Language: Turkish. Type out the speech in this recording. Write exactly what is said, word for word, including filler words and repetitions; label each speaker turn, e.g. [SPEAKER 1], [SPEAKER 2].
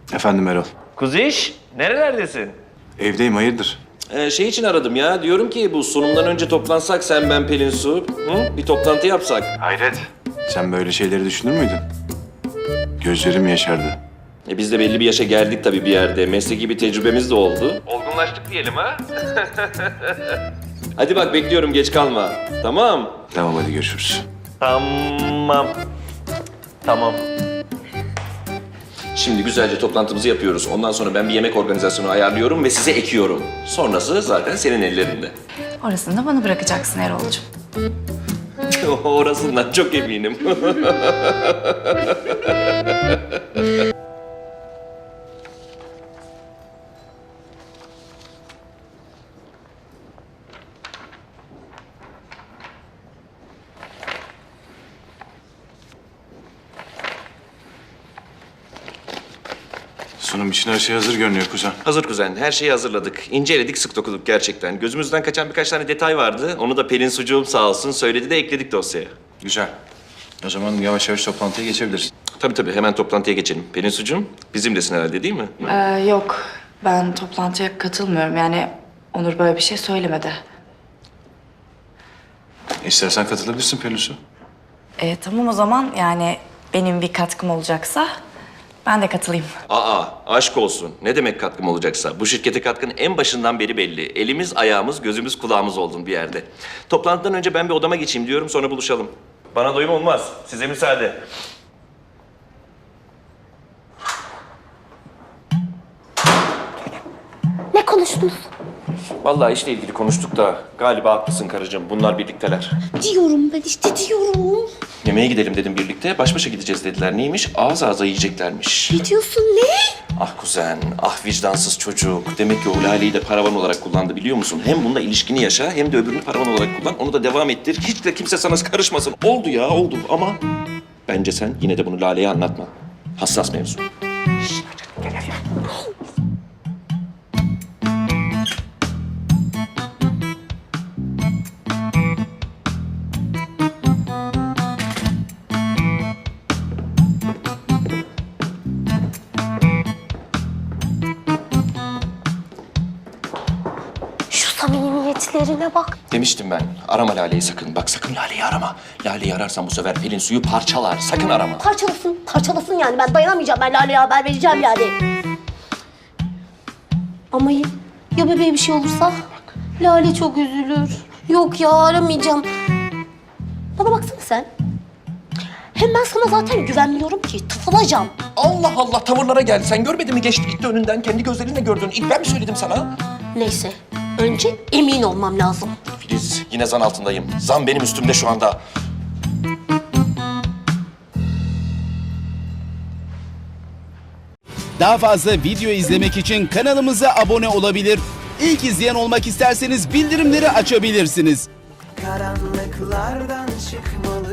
[SPEAKER 1] Efendim Erol.
[SPEAKER 2] Kuziş, nerelerdesin?
[SPEAKER 1] Evdeyim, hayırdır?
[SPEAKER 2] Ee, şey için aradım ya. Diyorum ki bu sunumdan önce toplansak sen, ben, Pelin, Su. Hı? Bir toplantı yapsak.
[SPEAKER 1] Hayret. Sen böyle şeyleri düşünür müydün? Gözlerim yaşardı.
[SPEAKER 2] E biz de belli bir yaşa geldik tabii bir yerde. Mesleki bir tecrübemiz de oldu. Olgunlaştık diyelim ha. Hadi bak bekliyorum, geç kalma. Tamam.
[SPEAKER 1] Tamam, hadi görüşürüz.
[SPEAKER 2] Tamam. Tamam. Şimdi güzelce toplantımızı yapıyoruz. Ondan sonra ben bir yemek organizasyonu ayarlıyorum ve size ekiyorum. Sonrası zaten senin ellerinde.
[SPEAKER 3] Orasını da bana bırakacaksın Erol'cum.
[SPEAKER 2] Orasından çok eminim.
[SPEAKER 1] Sunum için her şey hazır görünüyor kuzen.
[SPEAKER 2] Hazır kuzen, her şeyi hazırladık. İnceledik, sık dokuduk gerçekten. Gözümüzden kaçan birkaç tane detay vardı. Onu da Pelin Sucuğum sağ olsun söyledi de ekledik dosyaya.
[SPEAKER 1] Güzel. O zaman yavaş yavaş toplantıya geçebiliriz.
[SPEAKER 2] Tabii tabii, hemen toplantıya geçelim. Pelin Sucuğum, bizimlesin herhalde değil mi?
[SPEAKER 3] Ee, yok, ben toplantıya katılmıyorum. Yani Onur böyle bir şey söylemedi.
[SPEAKER 1] İstersen katılabilirsin Pelinsu.
[SPEAKER 3] Ee, tamam o zaman yani benim bir katkım olacaksa ben de katılayım.
[SPEAKER 2] Aa, aşk olsun. Ne demek katkım olacaksa? Bu şirkete katkın en başından beri belli. Elimiz, ayağımız, gözümüz, kulağımız oldun bir yerde. Toplantıdan önce ben bir odama geçeyim diyorum, sonra buluşalım. Bana doyum olmaz. Size müsaade.
[SPEAKER 4] Ne konuştunuz?
[SPEAKER 2] Vallahi işle ilgili konuştuk da galiba haklısın karıcığım. Bunlar birlikteler.
[SPEAKER 4] Diyorum ben işte diyorum.
[SPEAKER 2] Yemeğe gidelim dedim birlikte. Baş başa gideceğiz dediler. Neymiş? Ağız ağza yiyeceklermiş.
[SPEAKER 4] Ne diyorsun ne?
[SPEAKER 2] Ah kuzen, ah vicdansız çocuk. Demek ki o Lale'yi de paravan olarak kullandı biliyor musun? Hem bununla ilişkini yaşa hem de öbürünü paravan olarak kullan. Onu da devam ettir. Hiç de kimse sana karışmasın. Oldu ya oldu ama bence sen yine de bunu Lale'ye anlatma. Hassas mevzu.
[SPEAKER 4] Şu samimiyetlerine bak.
[SPEAKER 2] Demiştim ben. Arama Lale'yi sakın. Bak sakın Lale'yi arama. Lale'yi ararsan bu sefer Pelin Suyu parçalar. Sakın arama.
[SPEAKER 4] Parçalasın, parçalasın yani. Ben dayanamayacağım. Ben Lale'ye haber vereceğim yani. Ama ya, ya bebeğe bir şey olursa? Lale çok üzülür. Yok ya aramayacağım. Bana baksana sen. Hem ben sana zaten güvenmiyorum ki. Tıfılacağım.
[SPEAKER 2] Allah Allah tavırlara gel. Sen görmedin mi geçti gitti önünden. Kendi gözlerinle gördün. İlk ben mi söyledim sana?
[SPEAKER 4] Neyse. Önce emin olmam lazım.
[SPEAKER 2] Filiz yine zan altındayım. Zan benim üstümde şu anda.
[SPEAKER 5] Daha fazla video izlemek için kanalımıza abone olabilir. İlk izleyen olmak isterseniz bildirimleri açabilirsiniz.
[SPEAKER 6] Karanlıklardan çıkmalı